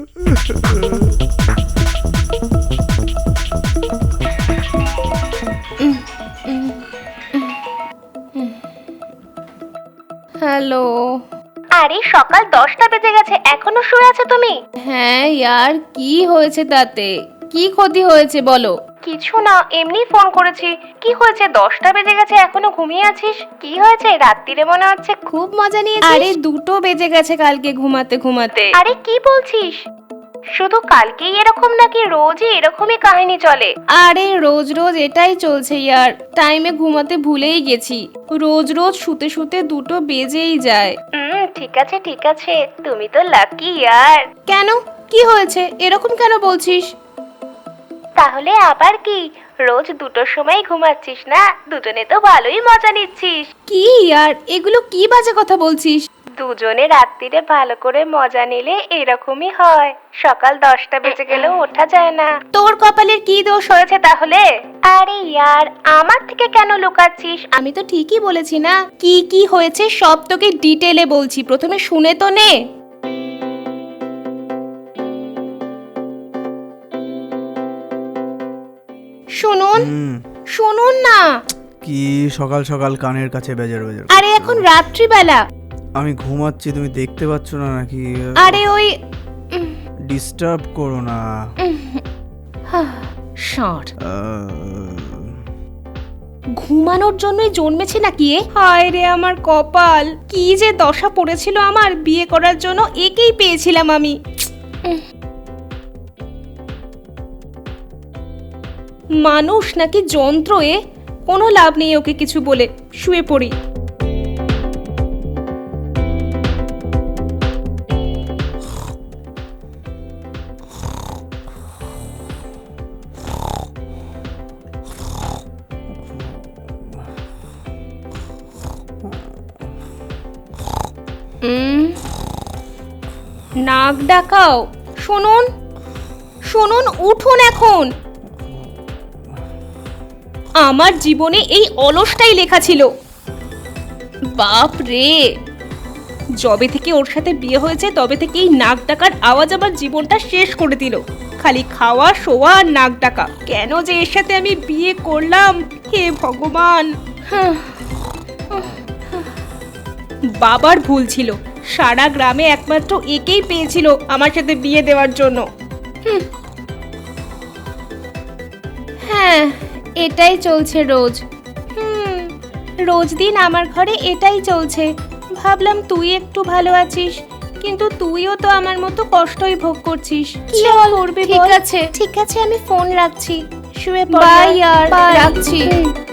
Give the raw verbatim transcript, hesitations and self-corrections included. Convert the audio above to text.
Hello. আরে সকাল দশটা বেজে গেছে, এখনো শুয়ে আছো তুমি? হ্যাঁ ইয়ার, কি হয়েছে তাতে? কি ক্ষতি হয়েছে বলো? কিছু না, এমনি ফোন করেছি। কি হয়েছে, দশটা বেজে গেছে এখনো ঘুমিয়ে আছিস? কি হয়েছে, রাত্রিরে মনে হচ্ছে খুব মজা নিয়েছিস? আরে দুটো বেজে গেছে কালকে ঘুমাতে ঘুমাতে। আরে কি বলছিস? শুধু কালকেই এরকম নাকি রোজই এরকমই কাহিনী চলে? আরে রোজ রোজ এটাই চলছে ইয়ার, টাইমে ঘুমাতে ভুলেই গেছি। রোজ রোজ শুতে শুতে দুটো বেজেই যায়। হুম, ঠিক আছে ঠিক আছে, তুমি তো লাকি ইয়ার। কেন, কি হয়েছে, এরকম কেন বলছিস? তাহলে আবার কি, রোজ দুটোর সময় ঘুমাচ্ছিস না? দুজনে তো ভালোই মজা নিচ্ছিস। কি ইয়ার, এগুলো কি বাজে কথা বলছিস? দুজনে রাত্রিরে ভালো করে মজা নিলে এরকমই হয়, সকাল দশটা বেজে গেলেও ওঠা যায় না। তোর কপালের কি দোষ হয়েছে তাহলে? আরে ইয়ার, আমার থেকে কেন লুকাচ্ছিস? আমি তো ঠিকই বলেছি না? কি কি হয়েছে সব তোকে ডিটেলে বলছি, প্রথমে শুনে তো নে। শুনুন শুনুন না। কি সকাল সকাল কানের কাছে বেজার বেজার? আরে এখন রাত্রিবেলা। আমি ঘুমাচ্ছি, তুমি দেখতে পাচ্ছ না নাকি? আরে ওই ডিস্টার্ব করো না। ষাট আহ, ঘুমানোর জন্যই জন্মেছে নাকি এ? হায় রে আমার কপাল, কি যে দশা পড়েছিল আমার, বিয়ে করার জন্য একেই পেয়েছিলাম আমি। মানুষ নাকি যন্ত্র এ? কোনো লাভ নেই ওকে কিছু বলে, শুয়ে পড়ি। উম, নাক ডাকাও। শুনুন শুনুন, উঠুন এখন। আমার জীবনে এই অলসটাই লেখা ছিল। বাপ রে, যবে থেকে ওর সাথে বিয়ে হয়েছে তবে থেকে এই নাক ডাকার আওয়াজ আমার জীবনটা শেষ করে দিল। খালি খাওয়া শোয়া আর নাক ডাকা। কেন যে এর সাথে আমি বিয়ে করলাম, হে ভগবান। হাহ। বাবার ভুল ছিল, সারা গ্রামে একমাত্র একেই পেয়েছিল আমার সাথে বিয়ে দেওয়ার জন্য। হুম। হ্যাঁ, এটাই চলছে রোজ। হুম, রোজ দিন আমার ঘরে এটাই চলছে। ভাবলাম তুই একটু ভালো আছিস, কিন্তু তুইও তো আমার মতো কষ্টই ভোগ করছিস। কি আর করবি বল? ঠিক আছে ঠিক আছে, আমি ফোন রাখছি, শুয়ে পড়। বাই আর রাখছি।